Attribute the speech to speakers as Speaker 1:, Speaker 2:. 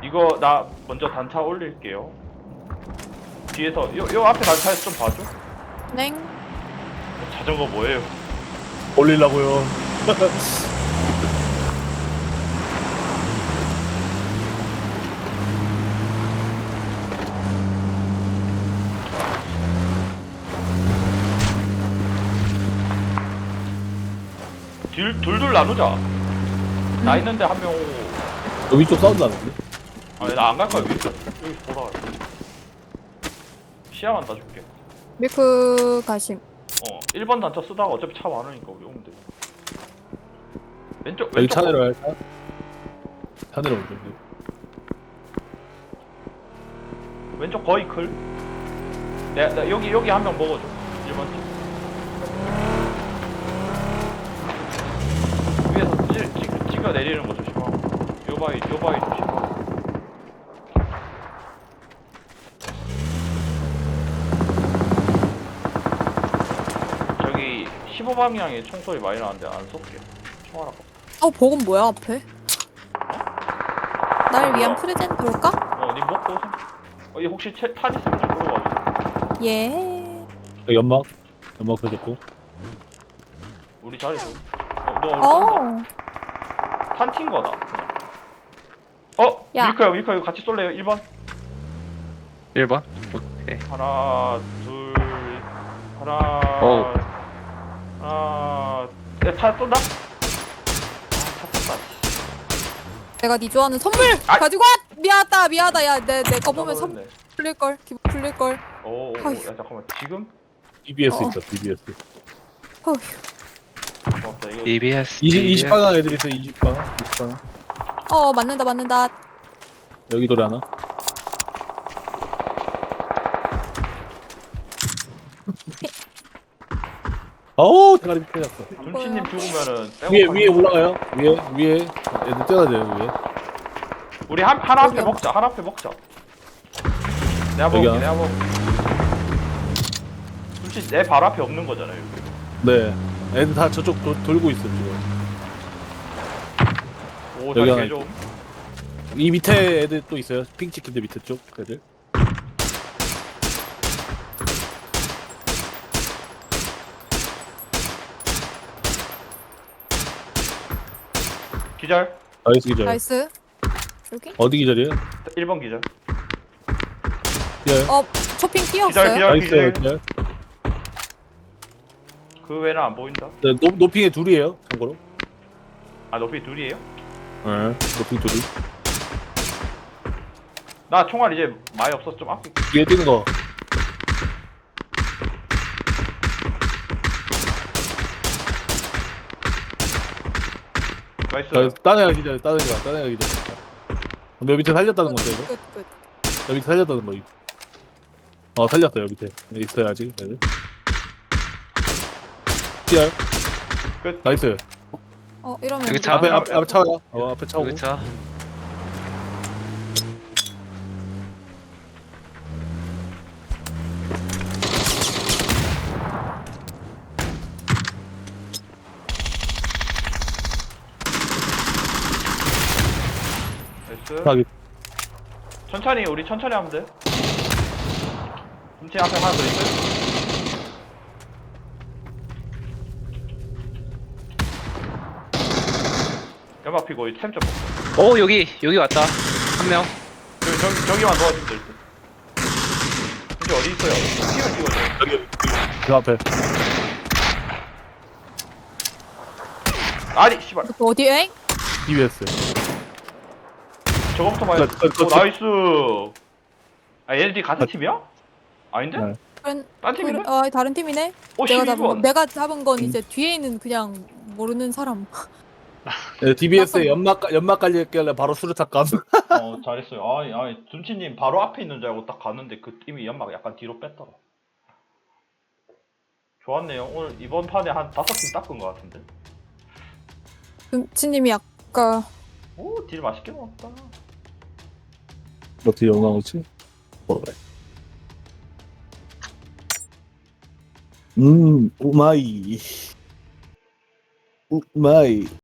Speaker 1: 이거 나 먼저 단차 올릴게요. 뒤에서 요 앞에 단차에서 좀 봐줘.
Speaker 2: 넹.
Speaker 1: 자전거 뭐예요?
Speaker 3: 올리려고요.
Speaker 1: 둘둘 나누자. 나 있는데 한 명 오고.
Speaker 3: 여기 쪽 사운드 나는데?
Speaker 1: 아니 나 안 갈 거야. 여기 보라. 시야만 따줄게.
Speaker 2: 밀크 가심.
Speaker 1: 1번 단차 쓰다가 어차피 차 많으니까 우리 오면 돼. 왼쪽
Speaker 3: 여기
Speaker 1: 왼쪽
Speaker 3: 차 내려갈까? 차 내려오죠.
Speaker 1: 왼쪽 거의 클. 나 여기 한 명 먹어줘. 1번 집. 위에서 찍어 내리는 거 조심하고. 요 바위 조심하고. 저기 15방향에 총소리 많이 나는데 안 쏠게. 총알 아까.
Speaker 2: 복은 뭐야 앞에? 날 위한 프레젠트일까?
Speaker 1: 니 먹고 오세요. 얘 혹시 탄 있으면 좀 끌어와줘.
Speaker 2: 예.
Speaker 3: 여기 연막 펴졌고.
Speaker 1: 우리 자리 좀. 너 탄 튄 거다.
Speaker 2: 야.
Speaker 1: 밀크야 이거 같이 쏠래요? 1번?
Speaker 4: 1번? 오케이.
Speaker 1: 하나, 둘, 하나,
Speaker 4: 어우.
Speaker 1: 하나, 차 쏜다? 차 쏜다.
Speaker 2: 내가 네 좋아하는 선물
Speaker 1: 아!
Speaker 2: 가지고 왔. 미안하다. 야, 내 거 보면 선
Speaker 1: 네
Speaker 2: 풀릴 걸. 기분 풀릴 걸.
Speaker 1: 오,
Speaker 2: 아휴.
Speaker 1: 야 잠깐만 지금?
Speaker 3: BBS
Speaker 2: 어.
Speaker 3: 있다. BBS.
Speaker 2: 어휴.
Speaker 1: 고맙다 이거.
Speaker 4: EBS.
Speaker 3: 20방향 애들 있어. 20방향.
Speaker 2: 맞는다.
Speaker 3: 여기 돌에 하나. 어우 대가리 펴졌어.
Speaker 1: 눈치님 죽으면은
Speaker 3: 위에 올라가요. 위에 애들 뛰어야 돼요 위에.
Speaker 1: 우리 하나 앞에
Speaker 2: 여기요.
Speaker 1: 먹자. 하나 앞에 먹자. 내가
Speaker 3: 여기요.
Speaker 1: 먹을게. 내가 먹을게. 눈치 내 바로 앞에 없는 거잖아요. 여기.
Speaker 3: 네. 애들 다 저쪽 돌고 있어 지금.
Speaker 1: 오,
Speaker 3: 여기
Speaker 1: 잘
Speaker 3: 하나
Speaker 1: 개좀.
Speaker 3: 이 밑에 애들 또 있어요. 핑 찍힌데 밑에 쪽 애들.
Speaker 1: 기절.
Speaker 3: 나이스 기절.
Speaker 2: 나이스. 여기?
Speaker 3: 어디 기절이에요?
Speaker 1: 1번 기절.
Speaker 3: 기절.
Speaker 2: 쇼핑
Speaker 1: 기절
Speaker 2: 뛰었어요.
Speaker 1: 기절
Speaker 3: 나이스
Speaker 1: 기절.
Speaker 3: 기절.
Speaker 1: 그 외에는 안 보인다.
Speaker 3: 네, 노핑에 둘이에요. 참고로.
Speaker 1: 아 높이 둘이에요?
Speaker 3: 네. 노핑 둘이.
Speaker 1: 나 총알 이제 많이 없어서 좀 아낄게.
Speaker 3: 위에 뛰는 거.
Speaker 1: 나이스.
Speaker 3: 딴 애가 기절. 딴 애가 기절. 근데 여기 밑에 살렸다는 건데 이거?
Speaker 2: 끝.
Speaker 3: 여기 밑에 살렸다는 거. 살렸어요 밑에. 여기 있어요 아직. 애들. 기절.
Speaker 1: 끝.
Speaker 3: 나이스.
Speaker 2: 이러면
Speaker 4: 여기 차.
Speaker 3: 앞에 차가. 앞에 차고.
Speaker 4: 여기 차.
Speaker 1: 나이스.
Speaker 3: 차기.
Speaker 1: 천천히 우리 천천히 하면 돼. 눈치 앞에 하나 더 있어. 연막 피고 이 템 좀 먹자.
Speaker 4: 오 여기 왔다. 한 명.
Speaker 1: 저기만 도와주면 될 듯. 근데 어디 있어요? 피를 찍어줘.
Speaker 3: 여기 그 앞에.
Speaker 1: 아니 씨발.
Speaker 2: 어디에?
Speaker 3: BBS.
Speaker 1: 저거부터 봐야 돼.
Speaker 3: 그,
Speaker 1: 오 나이스. 아 얘네들이 같은 팀이야? 아닌데?
Speaker 3: 네.
Speaker 1: 딴 팀인데?
Speaker 2: 다른 팀이네.
Speaker 1: 오
Speaker 2: 내가
Speaker 1: 12번.
Speaker 2: 잡은 건 이제 뒤에 있는 그냥 모르는 사람.
Speaker 3: 네, DBS에 연막 깔렸길래 바로 수류탄 감.
Speaker 1: 잘했어요. 아니 둔치님 바로 앞에 있는 줄 알고 딱 갔는데 그 팀이 연막 약간 뒤로 뺐더라. 좋았네요. 오늘 이번 판에 한 5팀 닦은 것 같은데.
Speaker 2: 금치님이 아까
Speaker 1: 오, 딜 맛있게 먹었다.
Speaker 3: 어떻게 영광 오지? 뭐래? 오마이. 오마이.